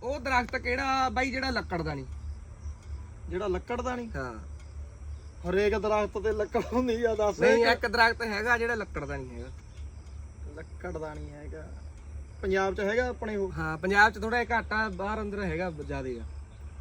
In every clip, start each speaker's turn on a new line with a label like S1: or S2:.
S1: ਉਹ ਦਰਖਤ ਕਿਹੜਾ ਬਾਈ ਜਿਹੜਾ ਲੱਕੜ ਦਾ ਨਹੀਂ?
S2: ਜਿਹੜਾ ਲੱਕੜ ਦਾ ਨਹੀਂ?
S1: ਹਾਂ
S2: ਹਰੇਕ ਦਰਖਤ ਤੇ ਲੱਕੜ ਹੁੰਦੀ ਆ, ਦੱਸ।
S1: ਨਹੀਂ ਇੱਕ ਦਰਖਤ ਹੈਗਾ ਜਿਹੜਾ ਲੱਕੜ ਦਾ ਨਹੀਂ ਹੈਗਾ।
S2: ਲੱਕੜ ਦਾ ਨਹੀਂ ਹੈਗਾ ਪੰਜਾਬ 'ਚ ਹੈਗਾ ਆਪਣੇ ਉਹ?
S1: ਹਾਂ ਪੰਜਾਬ 'ਚ ਥੋੜਾ ਜਿਹਾ ਘੱਟ ਆ, ਬਾਹਰ ਅੰਦਰ ਹੈਗਾ ਜ਼ਿਆਦੇ ਆ।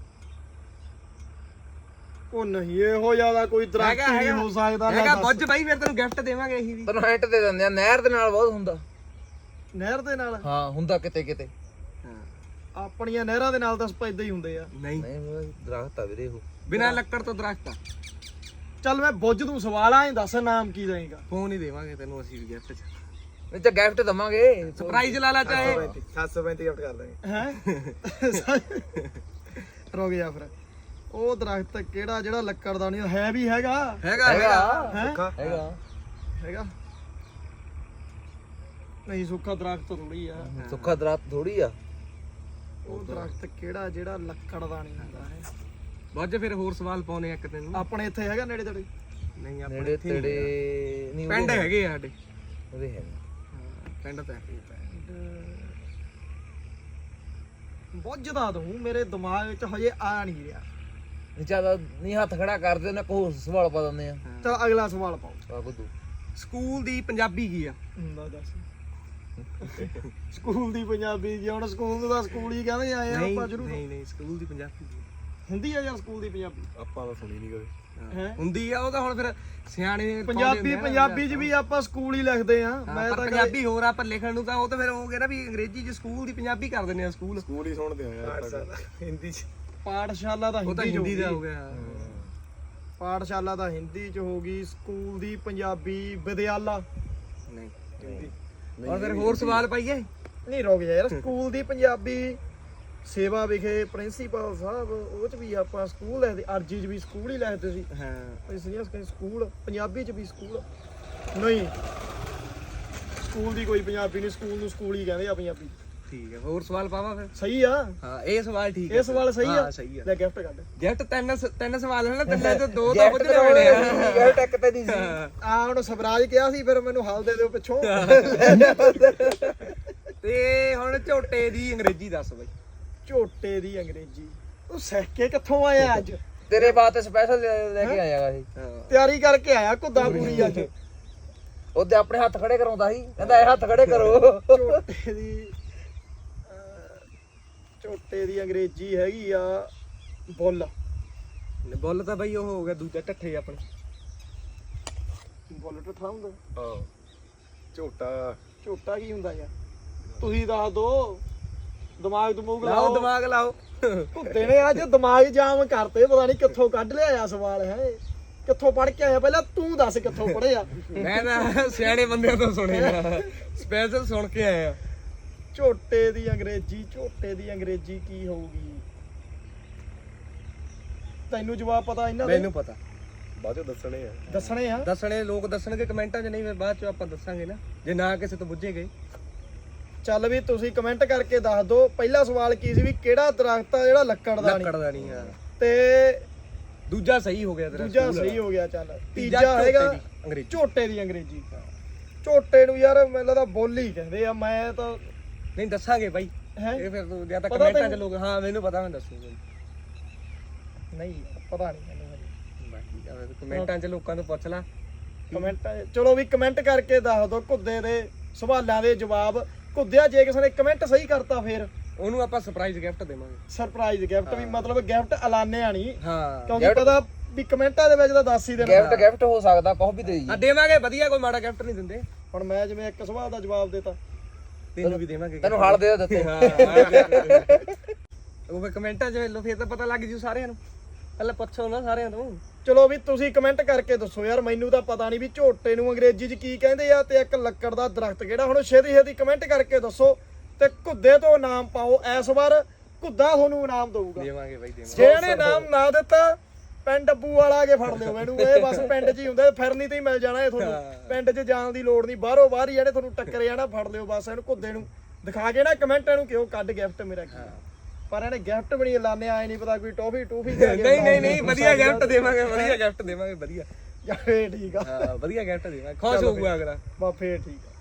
S2: ਉਹ ਨਹੀਂ ਇਹੋ ਜਿਆਦਾ ਕੋਈ ਦਰਖਤ ਨਹੀਂ ਹੋ ਸਕਦਾ।
S1: ਹੈਗਾ ਬੁੱਝ ਬਾਈ, ਫਿਰ ਤੈਨੂੰ ਗਿਫਟ ਦੇਵਾਂਗੇ ਅਸੀਂ ਵੀ।
S3: ਤੈਨੂੰ ਹਿੰਟ ਦੇ ਦਿੰਦੇ ਆ, ਨਹਿਰ ਦੇ ਨਾਲ ਬਹੁਤ ਹੁੰਦਾ।
S2: ਨਹਿਰ ਦੇ ਨਾਲ?
S3: ਹਾਂ ਹੁੰਦਾ ਕਿਤੇ ਕਿਤੇ।
S1: ਹਾਂ
S2: ਆਪਣੀਆਂ ਨਹਿਰਾਂ ਦੇ ਨਾਲ ਤਾਂ ਇਦਾਂ ਹੀ ਹੁੰਦੇ ਆ।
S1: ਨਹੀਂ
S3: ਨਹੀਂ ਦਰਖਤ ਆ ਵੀਰੇ ਉਹ,
S1: ਬਿਨਾਂ ਲੱਕੜ ਤੋਂ ਦਰਖਤ ਆ।
S2: ਚੱਲ ਮੈਂ ਬੁੱਝ ਤੂੰ ਸਵਾਲ ਆ, ਦੱਸ ਨਾਮ ਕੀ ਦੇਏਗਾ?
S1: ਫੋਨ ਹੀ ਦੇਵਾਂਗੇ ਤੈਨੂੰ ਅਸੀਂ ਵੀ ਗਿਫਟ 'ਚ।
S3: ਨਹੀਂ ਤਾਂ ਗਿਫਟ ਦਵਾਂਗੇ,
S1: ਸਰਪ੍ਰਾਈਜ਼ ਲਾ ਲਾ ਚਾਹੇ।
S3: 735 ਗਿਫਟ ਕਰ ਦਾਂਗੇ।
S2: ਹੈ ਰੁਕ ਜਾ ਫਿਰ। ਉਹ ਦਰਖਤ ਕਿਹੜਾ ਜਿਹੜਾ ਲੱਕੜ ਦਾ ਨਹੀਂ ਹੈ? ਵੀ ਹੈਗਾ
S1: ਹੈਗਾ ਹੈਗਾ
S3: ਹੈਗਾ
S2: ਹੈਗਾ ਨਹੀਂ, ਸੁੱਕਾ ਦਰਖਤ ਥੋੜੀ ਆ।
S3: ਸੁੱਕਾ ਦਰਖਤ ਥੋੜੀ ਆ।
S2: ਉਹ ਦਰਖਤ ਕਿਹੜਾ ਜਿਹੜਾ ਲੱਕੜ ਦਾ ਨਹੀਂ ਹੁੰਦਾ ਹੈ?
S1: ਬੁੱਝ ਫਿਰ ਹੋਰ ਸਵਾਲ ਪਾਉਣੇ ਇੱਕ ਤੈਨੂੰ।
S2: ਆਪਣੇ ਇੱਥੇ ਹੈਗਾ ਨੇੜੇ ਤੇੜੇ?
S1: ਨਹੀਂ ਆਪਣੇ
S3: ਨੇੜੇ ਤੇੜੇ ਨਹੀਂ,
S1: ਪਿੰਡ ਹੈਗੇ ਆ ਸਾਡੇ।
S3: ਉਹਦੇ ਹੈ
S1: ਪਿੰਡ ਤਾਂ ਹੈਗੇ।
S2: ਬੁੱਝਦਾ ਤੂੰ, ਮੇਰੇ ਦਿਮਾਗ 'ਚ ਹਜੇ ਆ ਨਹੀਂ ਰਿਹਾ।
S3: ਨਹੀਂ ਜ਼ਿਆਦਾ ਨਹੀਂ, ਹੱਥ ਖੜਾ ਕਰਦੇ ਉਹਨੇ ਕੋਈ ਸਵਾਲ ਪਾ ਦਿੰਦੇ ਆ।
S2: ਚਲ ਅਗਲਾ ਸਵਾਲ ਪਾਓ।
S3: ਆ ਬੁੱਧੂ,
S1: ਸਕੂਲ ਦੀ ਪੰਜਾਬੀ ਕੀ ਆ?
S2: ਹੁੰਦਾ ਦੱਸ। ਸਕੂਲ ਦੀ ਪੰਜਾਬੀ ਜੀ? ਹੁਣ ਸਕੂਲ ਨੂੰ ਤਾਂ ਸਕੂਲ ਹੀ ਕਹਿੰਦੇ ਆਏ ਆ ਆਪਾਂ ਸ਼ੁਰੂ ਤੋਂ।
S1: ਨਹੀਂ ਨਹੀਂ ਸਕੂਲ ਦੀ ਪੰਜਾਬੀ
S2: ਹੁੰਦੀ ਆ ਯਾਰ ਸਕੂਲ ਦੀ ਪੰਜਾਬੀ?
S3: ਆਪਾਂ ਤਾਂ ਸੁਣੀ ਨਹੀਂ ਕਦੇ।
S2: ਹੈ
S1: ਹੁੰਦੀ ਆ, ਉਹ ਤਾਂ ਹੁਣ ਫਿਰ ਸਿਆਣੇ
S2: ਪੰਜਾਬੀ 'ਚ ਵੀ ਆਪਾਂ ਸਕੂਲ ਹੀ ਲਿਖਦੇ ਆ। ਮੈਂ ਤਾਂ
S1: ਪੰਜਾਬੀ ਹੋਰ ਆਪਾਂ ਲਿਖਣ ਨੂੰ ਤਾਂ ਉਹ ਤਾਂ ਫਿਰ ਹੋ ਗਿਆ ਨਾ ਵੀ ਅੰਗਰੇਜ਼ੀ 'ਚ ਸਕੂਲ ਦੀ ਪੰਜਾਬੀ ਕਰ ਦਿੰਦੇ ਆ। ਸਕੂਲ
S3: ਹੀ ਸੁਣਦੇ ਆ ਯਾਰ ਹਿੰਦੀ ਚ।
S2: ਪਾਠਸ਼ਾਲਾ ਤਾਂ
S1: ਉਹ ਤਾਂ ਹਿੰਦੀ ਦਾ ਹੋ ਗਿਆ।
S2: ਪਾਠਸ਼ਾਲਾ ਤਾਂ ਹਿੰਦੀ 'ਚ ਹੋ ਗਈ। ਸਕੂਲ ਦੀ ਪੰਜਾਬੀ ਵਿਦਿਆਲਾ?
S1: ਨਹੀਂ ਔਰ ਫਿਰ ਹੋਰ ਸਵਾਲ ਪਾਈਏ?
S2: ਨਹੀਂ ਰੁਕ ਜਾ ਯਾਰ। ਸਕੂਲ ਦੀ ਪੰਜਾਬੀ ਸੇਵਾ ਵਿਖੇ ਪ੍ਰਿੰਸੀਪਲ ਸਾਹਿਬ, ਉਹ 'ਚ ਵੀ ਆਪਾਂ ਸਕੂਲ ਲਿਖਦੇ। ਅਰਜੀ 'ਚ ਵੀ ਸਕੂਲ ਹੀ ਲਿਖਦੇ ਸੀ।
S1: ਹਾਂ
S2: ਸੀਰੀਅਸ ਕਹੀਂ ਸਕੂਲ? ਪੰਜਾਬੀ 'ਚ ਵੀ ਸਕੂਲ? ਨਹੀਂ, ਸਕੂਲ ਦੀ ਕੋਈ ਪੰਜਾਬੀ ਨਹੀਂ। ਸਕੂਲ ਨੂੰ ਸਕੂਲ ਹੀ ਕਹਿੰਦੇ ਆ ਪੰਜਾਬੀ।
S1: ਠੀਕ ਹੈ, ਹੋਰ ਸਵਾਲ ਪਾਵਾਂ ਫਿਰ?
S2: ਸਹੀ ਆ
S1: ਹਾਂ ਇਹ ਸਵਾਲ ਠੀਕ ਹੈ।
S2: ਇਹ ਸਵਾਲ ਸਹੀ ਆ?
S1: ਸਹੀ ਆ।
S2: ਲੈ ਗਿਫਟ ਕੱਢ।
S1: ਗਿਫਟ ਤਿੰਨ ਸਵਾਲ ਹਨ ਨਾ, ਤਿੰਨਾਂ ਚੋਂ ਦੋ ਤਾਂ ਪੁੱਛਣੇ ਹੋਣੇ ਆ।
S3: ਗਿਫਟ ਇੱਕ ਤੇ ਨਹੀਂ ਸੀ।
S2: ਆ ਹੁਣ ਸਵਰਾਜ ਕਿਹਾ ਸੀ, ਫਿਰ ਮੈਨੂੰ ਹਲ ਦੇ ਦਿਓ ਪਿੱਛੋਂ।
S1: ਤੇ ਹੁਣ ਝੋਟੇ ਦੀ ਅੰਗਰੇਜ਼ੀ ਦੱਸ ਬਈ।
S2: ਝੋਟੇ ਦੀ ਅੰਗਰੇਜ਼ੀ? ਤੂੰ ਸਿੱਖ ਕੇ ਕਿੱਥੋਂ ਆਇਆ ਅੱਜ?
S3: ਤੇਰੇ ਵਾਸਤੇ ਸਪੈਸ਼ਲ ਲੈ ਕੇ ਆਇਆ ਸੀ।
S2: ਤਿਆਰੀ ਕਰਕੇ ਆਇਆ ਘੁੱਦਾ ਪੂਰੀ ਅੱਜ।
S3: ਉਹਦੇ ਆਪਣੇ ਹੱਥ ਖੜੇ ਕਰਾਉਂਦਾ ਸੀ, ਕਹਿੰਦਾ ਇਹ ਹੱਥ ਖੜੇ ਕਰੋ।
S2: ਝੋਟੇ ਦੀ ਅੰਗਰੇਜ਼ੀ ਹੈਗੀ ਆ ਬੁੱਲ।
S1: ਬੁੱਲ ਤਾਂ ਬਈ ਉਹ ਹੋ ਗਿਆ ਦੂਜਾ ਢੱਠੇ ਆਪਣੇ।
S2: ਬੁੱਲ ਟੱਠਾ ਹੁੰਦਾ?
S3: ਹਾਂ ਝੋਟਾ।
S2: ਝੋਟਾ ਕੀ ਹੁੰਦਾ ਯਾਰ? ਤੁਸੀਂ ਦੱਸ ਦੋ। ਦਿਮਾਗ
S1: ਲਾਓ ਦਿਮਾਗ ਲਾਓ।
S2: ਘੁੱਦੇ ਨੇ ਅੱਜ ਦਿਮਾਗ ਜਾਮ ਕਰਤੇ। ਪਤਾ ਨਹੀਂ ਕਿੱਥੋਂ ਕੱਢ ਲਿਆ ਸਵਾਲ। ਹੈ ਕਿੱਥੋਂ ਪੜ੍ਹ ਕੇ ਆਇਆ? ਪਹਿਲਾਂ ਤੂੰ ਦੱਸ ਕਿੱਥੋਂ ਪੜ੍ਹਿਆ?
S1: ਮੈਂ ਤਾਂ ਸਿਆਣੇ ਬੰਦਿਆਂ ਤੋਂ ਸੁਣਿਆ, ਸਪੈਸ਼ਲ ਸੁਣ ਕੇ ਆਇਆ।
S2: ਝੋਟੇ ਦੀ ਅੰਗਰੇਜ਼ੀ? ਝੋਟੇ ਦੀ ਅੰਗਰੇਜ਼ੀ ਕੀ ਹੋਊਗੀ? ਤੈਨੂੰ ਜਵਾਬ ਪਤਾ ਇਹਨਾਂ ਦੇ?
S1: ਮੈਨੂੰ ਪਤਾ,
S3: ਬਾਅਦ ਚੋਂ ਦੱਸਣੇ ਆ।
S2: ਦੱਸਣੇ ਆ?
S1: ਦੱਸਣੇ ਲੋਕ ਦੱਸਣਗੇ ਕਮੈਂਟਾਂ 'ਚ, ਨਹੀਂ ਫਿਰ ਬਾਅਦ 'ਚ ਆਪਾਂ ਦੱਸਾਂਗੇ ਨਾ ਜੇ ਨਾ ਕਿਸੇ ਤੋਂ ਪੁੱਛੇ ਗਏ।
S2: ਚੱਲ ਵੀ ਤੁਸੀਂ ਕਮੈਂਟ ਕਰਕੇ ਦੱਸ ਦਿਓ। ਪਹਿਲਾ ਸਵਾਲ ਕੀ ਸੀ ਵੀ ਕਿਹੜਾ ਦਰਖਤ ਆ ਜਿਹੜਾ ਲੱਕੜ ਦਾ ਨਹੀਂ?
S1: ਲੱਕੜ ਦਾ ਨਹੀਂ ਆ।
S2: ਤੇ
S1: ਦੂਜਾ ਸਹੀ ਹੋ ਗਿਆ ਤੇਰਾ।
S2: ਦੂਜਾ ਸਹੀ ਹੋ ਗਿਆ। ਚੱਲ ਤੀਜਾ ਹੈਗਾ
S1: ਅੰਗਰੇਜ਼ੀ।
S2: ਝੋਟੇ ਦੀ ਅੰਗਰੇਜ਼ੀ? ਝੋਟੇ ਨੂੰ ਯਾਰ ਮੈਨੂੰ ਲੱਗਦਾ ਬੋਲੀ ਕਹਿੰਦੇ ਆ। ਮੈਂ ਤਾਂ
S1: ਨਹੀਂ ਦੱਸਾਂਗੇ ਬਾਈ।
S2: ਹੈ
S1: ਇਹ ਫਿਰ ਤੂੰ ਜਾਂ ਤਾਂ
S2: ਪਤਾ
S1: ਕਮੈਂਟਾਂ 'ਚ ਲੋਕ, ਹਾਂ ਮੈਨੂੰ ਪਤਾ, ਮੈਂ ਦੱਸੂਗਾ।
S2: ਨਹੀਂ ਪਤਾ ਨਹੀਂ ਮੈਨੂੰ ਹਜੇ।
S1: ਬਾਕੀ ਕਮੈਂਟਾਂ 'ਚ ਲੋਕਾਂ ਤੋਂ ਪੁੱਛ ਲੈ।
S2: ਕਮੈਂਟਾਂ ਚਲੋ ਵੀ ਕਮੈਂਟ ਕਰਕੇ ਦੱਸ ਦਿਓ ਘੁੱਦੇ ਦੇ ਸਵਾਲਾਂ ਦੇ ਜਵਾਬ। ਘੁੱਦਿਆ ਜੇ ਕਿਸੇ ਨੇ ਕਮੈਂਟ ਸਹੀ ਕਰਤਾ ਫਿਰ
S1: ਉਹਨੂੰ ਆਪਾਂ ਸਰਪ੍ਰਾਈਜ਼ ਗਿਫਟ ਦੇਵਾਂਗੇ।
S2: ਸਰਪ੍ਰਾਈਜ਼ ਗਿਫਟ ਵੀ ਮਤਲਬ ਗਿਫਟ ਐਲਾਨਿਆ ਨਹੀਂ,
S1: ਹਾਂ
S2: ਕਿਉਂਕਿ ਪਤਾ ਵੀ ਕਮੈਂਟਾਂ ਦੇ ਵਿੱਚ ਤਾਂ ਦੱਸ ਹੀ ਦੇਣਾ।
S3: ਗਿਫਟ ਹੋ ਸਕਦਾ, ਕੁਝ ਵੀ ਦੇ ਜੀ।
S1: ਦੇਵਾਂਗੇ ਵਧੀਆ, ਕੋਈ ਮਾੜਾ ਗਿਫਟ ਨਹੀਂ ਦਿੰਦੇ।
S2: ਹੁਣ ਮੈਂ ਜਿਵੇਂ ਇੱਕ ਸਵਾਲ ਦਾ ਜਵਾਬ ਦੇਤਾ,
S1: ਤੈਨੂੰ ਵੀ ਦੇਵਾਂਗੇ।
S3: ਤੈਨੂੰ ਹਲ ਦੇ ਦਿੱਤੇ।
S1: ਉਹ ਫਿਰ ਕਮੈਂਟਾਂ 'ਚ ਲੋ, ਫਿਰ ਤਾਂ ਪਤਾ ਲੱਗ ਜੂ ਸਾਰਿਆਂ ਨੂੰ। ਪਹਿਲਾਂ ਪੁੱਛੋ ਨਾ ਸਾਰਿਆਂ ਤੋਂ।
S2: ਚਲੋ ਵੀ ਤੁਸੀਂ ਕਮੈਂਟ ਕਰਕੇ ਦੱਸੋ ਯਾਰ। ਮੈਨੂੰ ਤਾਂ ਪਤਾ ਨਹੀਂ ਵੀ ਝੋਟੇ ਨੂੰ ਅੰਗਰੇਜ਼ੀ 'ਚ ਕੀ ਕਹਿੰਦੇ ਆ ਤੇ ਇੱਕ ਲੱਕੜ ਦਾ ਦਰਖਤ ਕਿਹੜਾ। ਹੁਣ ਛੇਤੀ ਕਮੈਂਟ ਕਰਕੇ ਦੱਸੋ ਤੇ ਘੁੱਦੇ ਤੋਂ ਨਾਮ ਪਾਓ। ਇਸ ਵਾਰ ਘੁੱਦਾ ਤੁਹਾਨੂੰ ਇਨਾਮ ਦਊਗਾ।
S1: ਦੇਵਾਂਗੇ ਬਾਈ, ਦੇਵਾਂਗੇ।
S2: ਜੇ ਇਹਨੇ ਨਾਮ ਨਾ ਦਿੱਤਾ, ਪਿੰਡ ਡੱਬੂ ਵਾਲਾ ਆ ਕੇ ਫੜ ਲਿਓ ਮੈਨੂੰ। ਇਹ ਬਸ ਪਿੰਡ 'ਚ ਹੀ ਹੁੰਦਾ, ਫਿਰਨੀ ਤੇ ਹੀ ਮਿਲ ਜਾਣਾ ਇਹ ਤੁਹਾਨੂੰ। ਪਿੰਡ 'ਚ ਜਾਣ ਦੀ ਲੋੜ ਨਹੀਂ, ਬਾਹਰੋਂ ਬਾਹਰ ਹੀ ਜਿਹੜੇ ਤੁਹਾਨੂੰ ਟੱਕਰੇ ਜਾਣਾ ਫੜ ਲਿਓ ਬਸ। ਇਹਨੂੰ ਘੁੱਦੇ ਨੂੰ ਦਿਖਾ ਕੇ ਨਾ ਕਮੈਂਟ ਇਹਨੂੰ ਕਿਉਂ ਕੱਢ ਗਿਫਟ ਮੇਰਾ ਕੀ। ਪਰ ਇਹਨੇ ਗਿਫਟ ਵੀ ਨਹੀਂ ਲਾਣੇ ਆਏ, ਨਹੀਂ ਪਤਾ ਕੋਈ ਟੋਫੀ
S1: ਨਹੀਂ ਵਧੀਆ ਗਿਫਟ ਦੇਵਾਂਗੇ, ਵਧੀਆ ਗਿਫਟ ਦੇਵਾਂਗੇ, ਵਧੀਆ।
S2: ਫੇਰ ਠੀਕ ਆ।
S1: ਹਾਂ ਵਧੀਆ ਗਿਫਟ ਦੇਵਾਂਗੇ, ਖੁਸ਼ ਹੋਊਗਾ ਅਗਲਾ।
S2: ਬਾ ਫੇਰ ਠੀਕ ਆ।